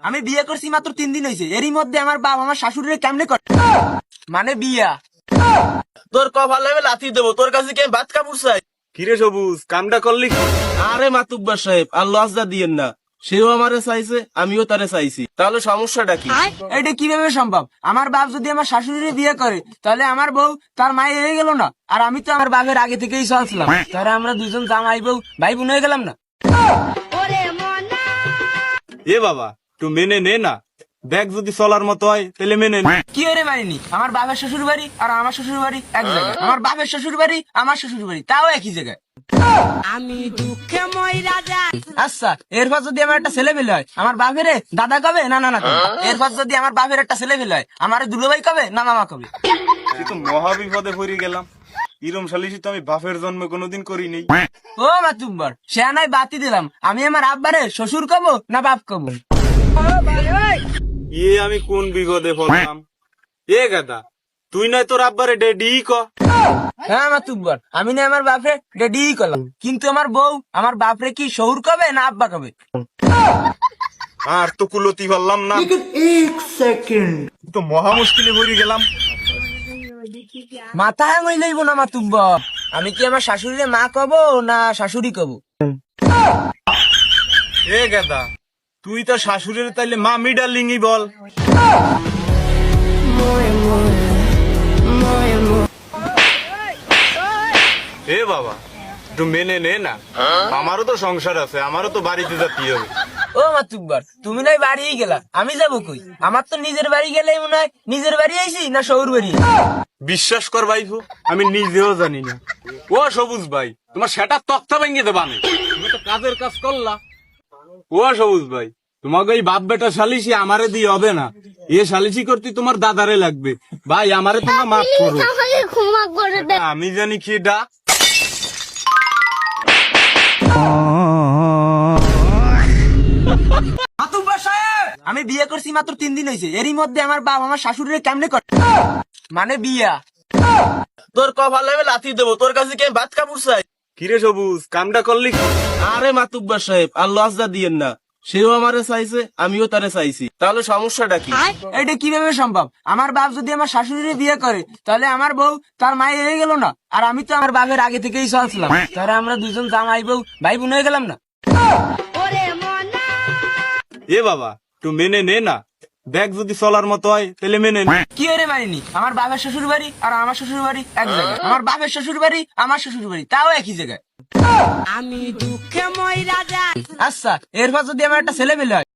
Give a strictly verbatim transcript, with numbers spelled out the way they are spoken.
আমি বিয়ে করছি মাত্র তিন দিন হয়েছে, এরই মধ্যে আমার বাপ আমার শাশুড়িরে কেমনে করে মানে বিয়া। তোর কপালে আমি লাথি দেবো, তোর কাছে কি আমি ভাত কাপড় চাই? কিরে সবুজ, কামটা করলি? আরে মাতুব্বার সাহেব, আর লজ্জা দিয়েন না, সেও আমারে চাইছে আমিও তারে চাইছি, তাহলে সমস্যাটা কি? এটা কিভাবে সম্ভব? আমার বাপ যদি আমার শাশুড়িরে বিয়ে করে তাহলে আমার বউ তার মায়ে হয়ে গেল না, আর আমি তো আমার বাপের আগে থেকেই চলছিলাম, তাহলে আমরা দুজন জামাই বউ ভাই বোন হয়ে গেলাম না? এ বাবা, তুই মেনে নে না, দেখ যদি চলার মতো হয় তাহলে মেনে নে। কি হয়ে মারিনি? আমার বাপের শ্বশুর বাড়ি আর আমার শ্বশুর বাড়ি এক জায়গায়, আমার বাপের শ্বশুর বাড়ি আমার শ্বশুর বাড়ি তাও একই জায়গায়। আমি দুঃখে মইরা যাই। আচ্ছা, এরপর যদি আমার একটা ছেলে পেলে হয় আমার বাপের দাদা কবে না নানা কবে? এরপর যদি আমার বাপের একটা ছেলে পেলে হয় আমার দুলো ভাই কবে না মামা কবে? তুই তো মহা বিপদে পড়ে গেলাম। ইরম সালিশি তো আমি বাপের জন্মে কোনোদিন করি নেই। ও মাতুব্বর, সে নাই বাতি দিলাম, আমি আমার আব্বারে শ্বশুর কব না বাপ কব? ইয়ে আমি কোন বিপদে পড়লাম? এ গাদা, তুই নয় তোর আব্বারে ডেডি ক। হ্যাঁ মাতুব্বর, আমি না আমার বাপরে ডেডি করলাম, কিন্তু আমার বউ আমার বাপরে কি শহুর কবে না আব্বা কবে? আর তো কুলতি পারলাম না, তো মহা মুশকিলে পড়ে গেলাম। মাথা হ্যাঁ লইব না মাতুব্বর, আমি কি আমার শাশুড়িরে মা কব না শাশুড়ি কব? এ গাদা, তুই তো শাশুড়ির তাইলে মামি ডার্লিংই বল। এ বাবা, একটু মেনে নে না, আমারও তো সংসার আছে, আমারও তো বাড়িতে যেতে হবে। ও মাতুব্বর, তুমি নাই বাড়ি গেলা, আমি যাবো কই? আমার তো নিজের বাড়ি গেলেই মনে হয় নিজের বাড়ি আইছি না শহুর বাড়ি। বিশ্বাস কর ভাইফু, আমি নিজেও জানি না। ও সবুজ ভাই, তোমার সেটা তক্তা ভেঙে দেবা আমি, তুমি তো কাজের কাজ করলা। ও সবুজ ভাই, তোমাকে এই বাপ বেটা সালিশি আমারে দিয়ে হবে না, এ সালিশি করতে তোমার দাদারে লাগবে। ভাই আমারে তোমরা মাফ করো, ক্ষমা করে দে। আমি জানি কি ডা। মাতুব্বর সাহেব, আমি বিয়ে করছি মাত্র তিন দিন হয়েছে, এরই মধ্যে আমার বাপ আমার শাশুড়িরে কেমনে করে মানে বিয়া। তোর কপালে আমি লাথি দেবো, তোর কাছে কি আমি ভাত কাপড় চাই? কিরে সবুজ, কামটা করলি? আরে মাতুব্বার সাহেব, আর লজ্জা দিয়েন না, সেও আমারে চাইছে আমিও তারে চাইছি, তাহলে সমস্যাটা কি? এটা কিভাবে সম্ভব? আমার বাপ যদি আমার শাশুড়িরে বিয়ে করে তাহলে আমার বউ তার মায়ে হয়ে গেল না, আর আমি তো আমার বাপের আগে থেকেই চলছিলাম, তাহলে আমরা দুজন জামাই বউ ভাই বোন হয়ে গেলাম না? এ বাবা, তুই মেনে নে না, দেখ যদি চলার মতো হয় তাহলে মেনে নে। কি হয়ে মারিনি? আমার বাপের শ্বশুর বাড়ি আর আমার শ্বশুর বাড়ি এক জায়গায়, আমার বাপের শ্বশুর বাড়ি আমার শ্বশুর বাড়ি তাও একই জায়গায়। আমি দুঃখে মইরা যাই। আচ্ছা, এরপর যদি আমার একটা ছেলে পেলে হয়